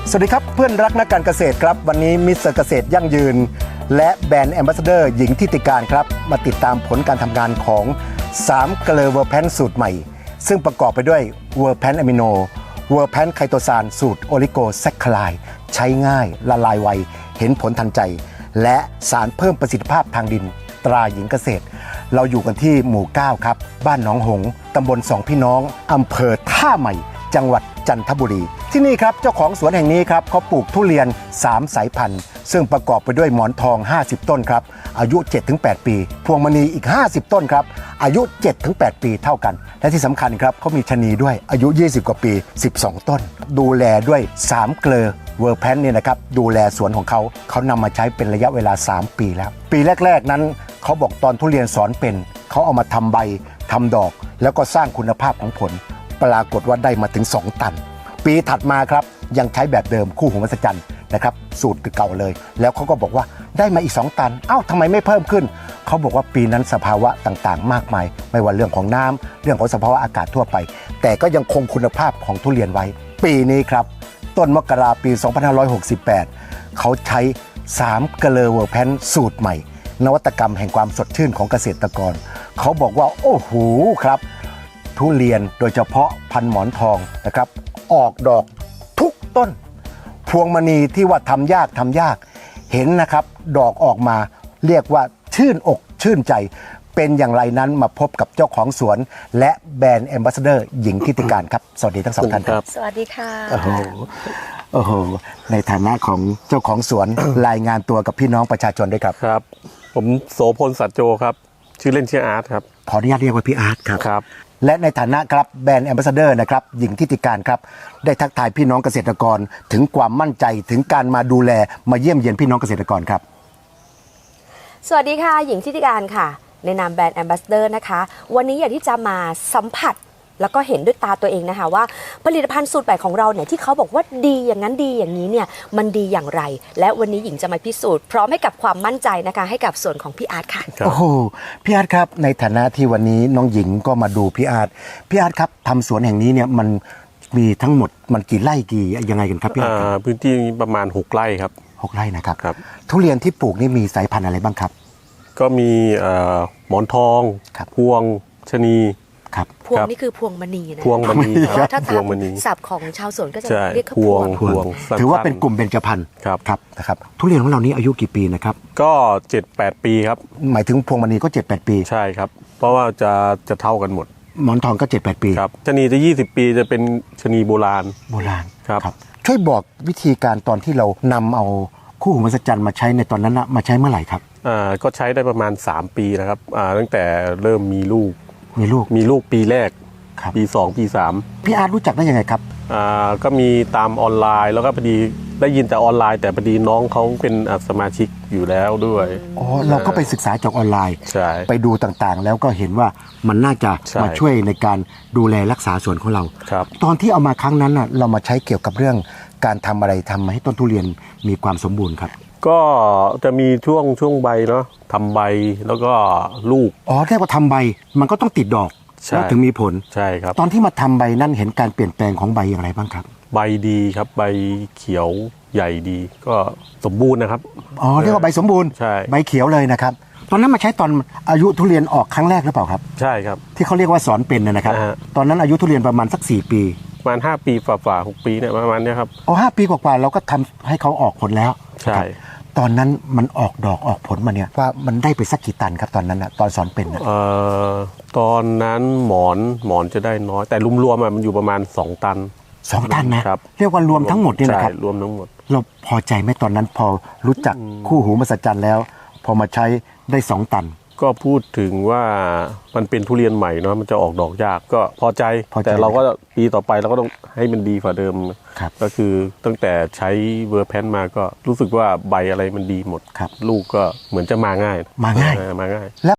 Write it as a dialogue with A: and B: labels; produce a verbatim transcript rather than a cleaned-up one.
A: สวัสดีครับเพื่อนรักนักการเกษตรครับวันนี้มิสเตอร์เกษตรยั่งยืนและแบรนด์แอมบาสเดอร์หญิงทิติการครับมาติดตามผลการทำงานของสามเกลือเวอร์แพนสูตรใหม่ซึ่งประกอบไปด้วยเวอร์แพนอะมิโนเวอร์แพนไคโตซานสูตรโอลิโกแซคคลายใช้ง่ายละลายไวเห็นผลทันใจและสารเพิ่มประสิทธิภาพทางดินตราหญิงเกษตรเราอยู่กันที่หมู่เก้าครับบ้านหนองหงตำบลสองพี่น้องอำเภอท่าใหม่จังหวัดจันทบุรีที่นี่ครับเจ้าของสวนแห่งนี้ครับเขาปลูกทุเรียนสามสายพันธุ์ซึ่งประกอบไปด้วยหมอนทองห้าสิบต้นครับอายุ เจ็ดถึงแปด ปีพวงมณีอีกห้าสิบต้นครับอายุ เจ็ดถึงแปด ปีเท่ากันและที่สำคัญครับเขามีชะนีด้วยอายุยี่สิบกว่าปีสิบสองต้นดูแลด้วยสามเกลอเวอร์แพนเนี่ยนะครับดูแลสวนของเขาเขานำมาใช้เป็นระยะเวลาสามปีแล้วปีแรกๆนั้นเขาบอกตอนทุเรียนสอนเป็นเขาเอามาทำใบทำดอกแล้วก็สร้างคุณภาพของผลปรากฏว่าได้มาถึงสองตันปีถัดมาครับยังใช้แบบเดิมคู่หูมหัศจรรย์นะครับสูตรเก่าเลยแล้วเขาก็บอกว่าได้มาอีกสองตันเอ้าทำไมไม่เพิ่มขึ้นเขาบอกว่าปีนั้นสภาวะต่างๆมากมายไม่ว่าเรื่องของน้ำเรื่องของสภาวะอากาศทั่วไปแต่ก็ยังคงคุณภาพของทุเรียนไว้ปีนี้ครับต้นมกราปีสองพันห้าร้อยหกสิบแปดเขาใช้สามเกลอเวอร์แพนสูตรใหม่นวัตกรรมแห่งความสดชื่นของเกษตรกรเขาบอกว่าโอ้โหครับทุเรียนโดยเฉพาะพันหมอนทองนะครับออกดอกทุกต้นพวงมณีที่ว่าทำยากทำยากเห็นนะครับดอกออกมาเรียกว่าชื่นอกชื่นใจเป็นอย่างไรนั้นมาพบกับเจ้าของสวนและแบรนด์แอมบาสเดอร์หญิงทิติการครับสวัสดีทั้งสองท่านครับ
B: สวัสดีค่ะ
A: โอ้โหโอ้โหในฐานะของเจ้าของสวน รายงานตัวกับพี่น้องประชาชนด้วยครับ
C: ครับผมโสพลสัจโจครับชื่อเล่นชื่ออาร์ตครับ
A: ขออนุญาตเรียกว่าพี่อาร์ตครับ
C: ครับ
A: และในฐานะครับแบรนด์แอมบาสเดอร์นะครับหญิงทิติการครับได้ทักทายพี่น้องเกษตรกรถึงความมั่นใจถึงการมาดูแลมาเยี่ยมเยียนพี่น้องเกษตรกรครับ
B: สวัสดีค่ะหญิงทิติการค่ะในนามแบรนด์แอมบาสเดอร์นะคะวันนี้อยากที่จะมาสัมผัสแล้วก็เห็นด้วยตาตัวเองนะคะว่าผลิตภัณฑ์สูตรใหม่ของเราเนี่ยที่เขาบอกว่าดีอย่างนั้นดีอย่างนี้เนี่ยมันดีอย่างไรและวันนี้หญิงจะมาพิสูจน์พร้อมให้กับความมั่นใจนะคะให้กับส่วนของพี่อาร์ตค่ะ
A: โอ้โหพี่อาร์ตครับในฐานะที่วันนี้น้องหญิงก็มาดูพี่อาร์ตพี่อาร์ตครับทำสวนแห่งนี้เนี่ยมันมีทั้งหมดมันกี่ไร่กี่ยังไงกันครับพี่อาร์ต
C: พื้นที่ประมาณหกไร่ครับ
A: หกไร่นะครับ
C: ครับ
A: ทุเรียนที่ปลูกนี่มีสายพันธุ์อะไรบ้างครับ
C: ก็มีหมอนทองพวงชะนี
A: ครับ
B: พวงนี่คือพวงมณีนะ
C: พวงมณี
B: ครับถ้าตามศัพท์ของชาวสวนก็จะเรียก
C: พวง
A: พวงถือว่าเป็นกลุ่มเบญจพรรณ
C: ครับ
A: ครับนะครับทุเรียนของเรานี้อายุกี่ปีนะครับ
C: ก็เจ็ดแปดปีครับ
A: หมายถึงพวงมณีก็เจ็ดแปดปี
C: ใช่ครับเพราะว่าจะจะเท่ากันหมด
A: หมอนทองก็เจ็ดแปดปี
C: ครับชะนีจะยี่สิบปีจะเป็นชะนีโบราณ
A: โบราณ
C: ครับ
A: ช่วยบอกวิธีการตอนที่เรานำเอาคู่หูมหัศจรรย์มาใช้ในตอนนั้นนะมาใช้เมื่อไหร่ครับ
C: อ่าก็ใช้ได้ประมาณสามปีนะครับอ่าตั้งแต่เริ่มมีลูก
A: มีลูก
C: มีลูกปีแรกปีสองปีสาม
A: พี่อาร์ตรู้จักได้ยังไงครับ
C: อ่าก็มีตามออนไลน์แล้วก็พอดีได้ยินแต่ออนไลน์แต่พอดีน้องเขาเป็นสมาชิกอยู่แล้วด้วย
A: อ๋อเราก็ไปศึกษาจากออนไลน์ไปดูต่างๆแล้วก็เห็นว่ามันน่าจะมาช่วยในการดูแลรักษาสวนของเรา
C: ครับ
A: ตอนที่เอามาครั้งนั้นน่ะเรามาใช้เกี่ยวกับเรื่องการทำอะไรทำให้ต้นทุเรียนมีความสมบูรณ์ครับ
C: ก็จะมีช่วงช่วงใบเนาะทำใบแล้วก็ลูก
A: อ๋อเรียกว่าทำใบมันก็ต้องติดดอกแล้วถึงมีผล
C: ใช่ครับ
A: ตอนที่มาทำใบนั่นเห็นการเปลี่ยนแปลงของใบอย่างไรบ้างครับ
C: ใบดีครับใบเขียวใหญ่ดีก็สมบูรณ์นะครับ
A: อ๋อเรียกว่าใบสมบูรณ์
C: ใช่
A: ใบเขียวเลยนะครับตอนนั้นมาใช้ตอนอายุทุเรียนออกครั้งแรกหรือเปล่าครับ
C: ใช่ครับ
A: ที่เขาเรียกว่าสอนเป็นนะครับตอนนั้นอายุทุเรียนประมาณสักสี่ปี
C: ประมาณห้าปีฝ่าๆหกปีเนี่ยประมาณนี้ครับ
A: อ๋อห้าปีกว่าๆเราก็ทำให้เขาออกผลแล้ว
C: ใช่
A: ตอนนั้นมันออกดอกออกผลมาเนี่ยว่ามันได้ไปสักกี่ตันครับตอนนั้นนะตอนสอนเป็นนะ
C: เอ่อตอนนั้นหมอนหมอนจะได้น้อยแต่รวมๆมันอยู่ประมาณสองตัน
A: สองตันนะเรียกว่ารวมทั้งหมดนี่นะครับ
C: รวมทั้งหมด
A: เราพอใจไหมตอนนั้นพอรู้จักคู่หูมหัศจรรย์แล้วพอมาใช้ได้สองตัน
C: ก็พูดถึงว่ามันเป็นทุเรียนใหม่เนาะมันจะออกดอกยากก็พอใจแต่เราก็ปีต่อไปเราก็ต้องให้มันดีกว่าเดิมก็คือตั้งแต่ใช้เวอร์แพนมาก็รู้สึกว่าใบอะไรมันดีหมดลูกก็เหมือนจะมาง่าย
A: มาง่าย
C: มาง่าย